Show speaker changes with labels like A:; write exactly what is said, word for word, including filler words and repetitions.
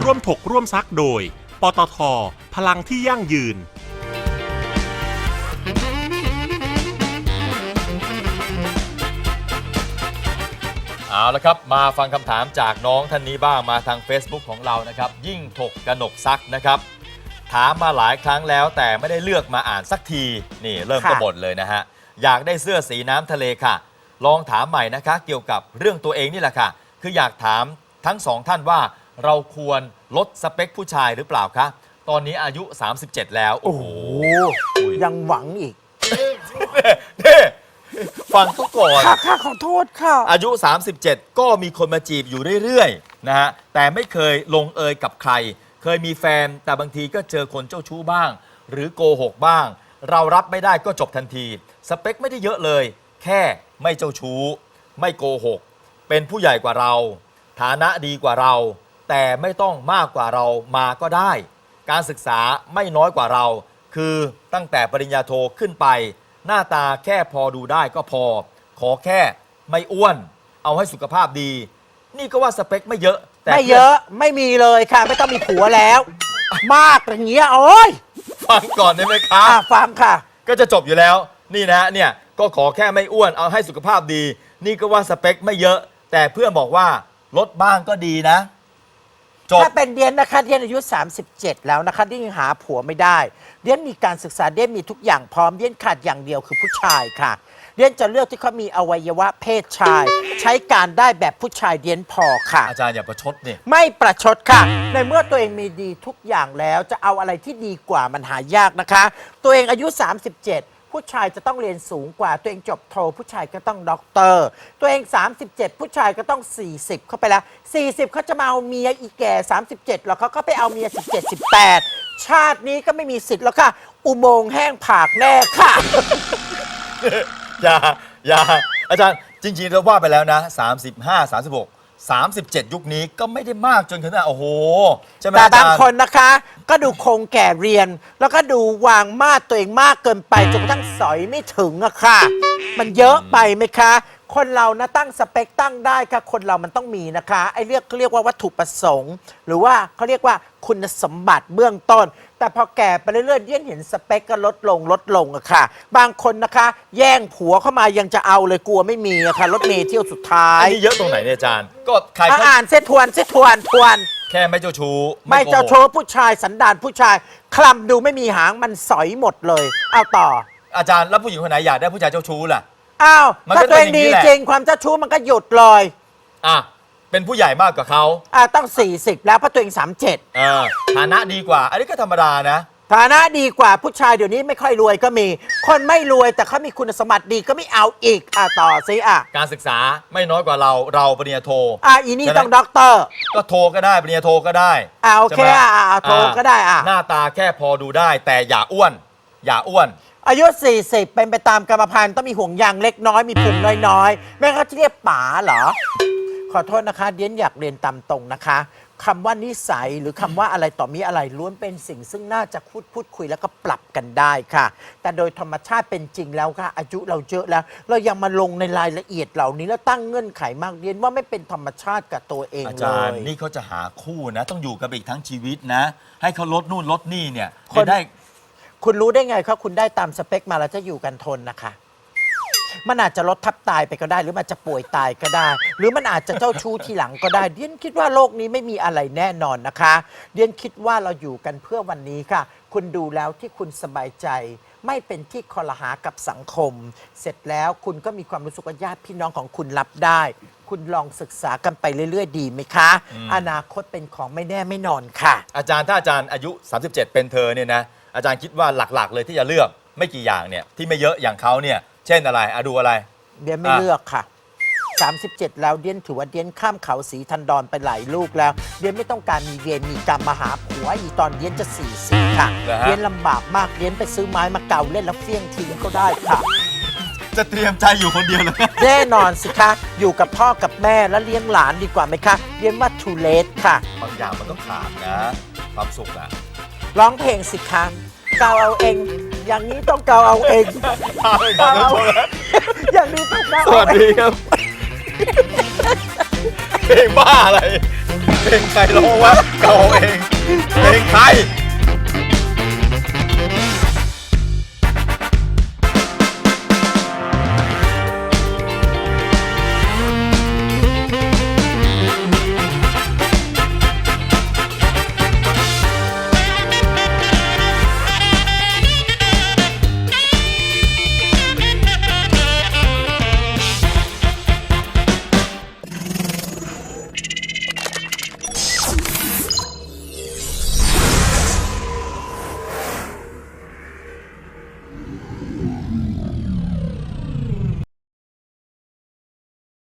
A: ร่วมถกร่วมซักโดยปตท.พลังที่ยั่งยืน
B: เอาละครับมาฟังคำถามจากน้องท่านนี้บ้างมาทาง Facebook ของเรานะครับยิ่งถกกนกซักนะครับถามมาหลายครั้งแล้วแต่ไม่ได้เลือกมาอ่านสักทีนี่เริ่มกบฏเลยนะฮะอยากได้เสื้อสีน้ำทะเลค่ะลองถามใหม่นะคะเกี่ยวกับเรื่องตัวเองนี่แหละค่ะคืออยากถามทั้งสองท่านว่าเราควรลดสเปคผู้ชายหรือเปล่าคะตอนนี้อายุสามสิบเจ็ดแล้วโอ้โห
C: ยังหวังอีก
B: นี่ฟังเขาก่อน
C: ค่ะค่ะขอโทษค่ะ
B: อายุ สามสิบเจ็ด ก็มีคนมาจีบอยู่เรื่อยๆนะฮะแต่ไม่เคยลงเอยกับใครเคยมีแฟนแต่บางทีก็เจอคนเจ้าชู้บ้างหรือโกหกบ้างเรารับไม่ได้ก็จบทันทีสเปคไม่ได้เยอะเลยแค่ไม่เจ้าชู้ไม่โกหกเป็นผู้ใหญ่กว่าเราฐานะดีกว่าเราแต่ไม่ต้องมากกว่าเรามาก็ได้การศึกษาไม่น้อยกว่าเราคือตั้งแต่ปริญญาโทขึ้นไปหน้าตาแค่พอดูได้ก็พอขอแค่ไม่อ้วนเอาให้สุขภาพดีนี่ก็ว่าสเปคไม่เยอะแต่
C: ไม่เยอะไม่มีเลยค่ะไม่ต้องมีผัวแล้วมากอย่างเงี้ยโอ้ย
B: ฟังก่อนได้ไหมคะ
C: ฟังค่ะ
B: ก็จะจบอยู่แล้วนี่นะเนี่ยก็ขอแค่ไม่อ้วนเอาให้สุขภาพดีนี่ก็ว่าสเปคไม่เยอะแต่เพื่อนบอกว่าลดบ้างก็ดีนะ
C: ถ้าเป็นเดียนนะคะเดียนอายุสามสิบเจ็ดแล้วนะคะที่ยังหาผัวไม่ได้เดียนมีการศึกษาเดียนมีทุกอย่างพร้อมเดียนขาดอย่างเดียวคือผู้ชายค่ะเดียนจะเลือกที่เขามีอวัยวะเพศชายใช้การได้แบบผู้ชายเดียนพอค่ะ
B: อาจารย์อย่าประชดนี่
C: ไม่ประชดค่ะในเมื่อตัวเองมีดีทุกอย่างแล้วจะเอาอะไรที่ดีกว่ามันหายากนะคะตัวเองอายุสามสิบเจ็ดผู้ชายจะต้องเรียนสูงกว่าตัวเองจบโทผู้ชายก็ต้องด็อกเตอร์ตัวเองสามสิบเจ็ดผู้ชายก็ต้องสี่สิบเข้าไปแล้วสี่สิบเขาจะมาเอาเมียอีแก่สามสิบเจ็ดหรอกเขาก็ไปเอาเมียสิบเจ็ด สิบแปดชาตินี้ก็ไม่มีสิทธิ์แล้วค่ะอุโมงค์แห้งผากแน่ค่ะ
B: อย่าอย่าอาจารย์จริงๆเราว่าไปแล้วนะสามสิบห้า สามสิบหก สามสิบเจ็ดยุคนี้ก็ไม่ได้มากจนขนาดโอ้โหใช่ไหม
C: แต่บางคนนะคะก็ดูคงแก่เรียนแล้วก็ดูวางมาดตัวเองมากเกินไปจนกระทั่งสอยไม่ถึงอะค่ะมันเยอะไปไหมคะคนเรานะตั้งสเปคตั้งได้ค่ะคนเรามันต้องมีนะคะไอ้เรียกเขาเรียกว่าวัตถุประสงค์หรือว่าเขาเรียกว่าคุณสมบัติเบื้องต้นแต่พอแก่ไปเรื่อยๆเดี่ยนเห็นสเปคก็ลดลงลดลงอะค่ะบางคนนะคะแย่งผัวเข้ามายังจะเอาเลยกลัวไม่มีอะค่ะรถเมล์เที่ยวสุดท้าย
B: อันนี้เยอะตรงไหนเนี่ยอาจารย์ก็ใคร
C: อ่านเส้นทวนเส้นทวนทวน
B: แค่ไม่เจ้าชู้
C: ไม่เจ้าชู้ผู้ชายสันดานผู้ชายคลำดูไม่มีหางมันสอยหมดเลยเอาต่อ
B: อาจารย์แล้วผู้หญิงคนไหนอยากได้ผู้ชายเจ้าชู้ล่ะ
C: อ้าวถ้าตัวเองดีจริงความเจ้าชู้มันก็หยุดเลย
B: อ่ะเป็นผู้ใหญ่มากกว่าเขา
C: อ่าต้องสี่สิบแล้วเพราะตัวเองสามสิบเจ็ด
B: เออฐานะดีกว่าอันนี้ก็ธรรมดานะ
C: ฐานะดีกว่าผู้ชายเดี๋ยวนี้ไม่ค่อยรวยก็มีคนไม่รวยแต่เขามีคุณสมบัติดีก็ไม่เอาอีกอ่ะต่อสิอ่ะ
B: การศึกษาไม่น้อยกว่าเราเราปริญญาโท
C: อ่ะอีนี่ต้องด็อกเตอร์
B: ก็โทก็ได้ปริญญาโทก็ได้
C: อ่ะโอเคอ่ะโทก็ได้อ่ะ
B: หน้าตาแค่พอดูได้แต่อย่าอ้วนอย่าอ้วน
C: อายุสี่สิบเป็นไปตามกรรมพันธุ์ต้องมีห่วงยางเล็กน้อยมีพุงน้อยๆแม่เขาจะเรียกป๋าเหรอขอโทษนะคะเดียนอยากเรียนตามตรงนะคะคำว่านิสัยหรือคำว่าอะไรต่อมีอะไรล้วนเป็นสิ่งซึ่งน่าจะพูดพูดคุยแล้วก็ปรับกันได้ค่ะแต่โดยธรรมชาติเป็นจริงแล้วค่ะอายุเราเยอะแล้วเรายังมาลงในรายละเอียดเหล่านี้แล้วตั้งเงื่อนไขมากเรียนว่าไม่เป็นธรรมชาติกับตัวเองเลย
B: อาจารย์นี่เขาจะหาคู่นะต้องอยู่กับอีกทั้งชีวิตนะให้เขาลดนู่นลดนี่เนี่ยได้
C: คุณรู้ได้ไงครับคุณได้ตามสเปคมาแล้วจะอยู่กันทนนะคะมันอาจจะลดทับตายไปก็ได้หรือมันจะป่วยตายก็ได้หรือมันอาจจะเจ้าชู้ทีหลังก็ได้เดียนคิดว่าโลกนี้ไม่มีอะไรแน่นอนนะคะเดียนคิดว่าเราอยู่กันเพื่อวันนี้ค่ะคุณดูแล้วที่คุณสบายใจไม่เป็นที่คอรหากับสังคมเสร็จแล้วคุณก็มีความรู้สึกว่าญาติพี่น้องของคุณรับได้คุณลองศึกษากันไปเรื่อยๆดีไหมคะ อ, อนาคตเป็นของไม่แน่ไม่นอนค่ะ
B: อาจารย์ถ้าอาจารย์อายุสามสิบเจ็ดเป็นเธอเนี่ยนะอาจารย์คิดว่าหลักๆเลยที่จะเลือกไม่กี่อย่างเนี่ยที่ไม่เยอะอย่างเขาเนี่ยเช่นอะไรอะดูอะไร
C: เดียนไม่เลือกค่ะสามสิบเจ็ดแล้วเดียนถือว่าเดียนข้ามเขาสีทันดอนไปหลายลูกแล้วเดียนไม่ต้องการมีเวรมีกรรมมาหาผัวอีตอนเดียนจะสี่สิบค่ะเดียนลำบากมากเดียนไปซื้อไม้มาเก่าเล่นแล้วเฟี้ยงทิ้งก็ได้ค่ะ
B: จะเตรียมใจอยู่คนเดียวเลย
C: แน่นอนสิคะอยู่กับพ่อกับแม่แล้วเลี้ยงหลานดีกว่าไหมคะเดียนว่าทูเลสค่ะ
B: บางอย่างมันต้องขาดนะความสุขอะ
C: ร้องเพลงสิคะเกาเอาเองอย่างนี้ต้องเกาเอาเอง
B: เกาเอา
C: อย่างนี้ต้องเกา
B: สวัสดีครับเพลงบ้าอะไรเพเพลงใครร้องวะเก่าเองเพลงใคร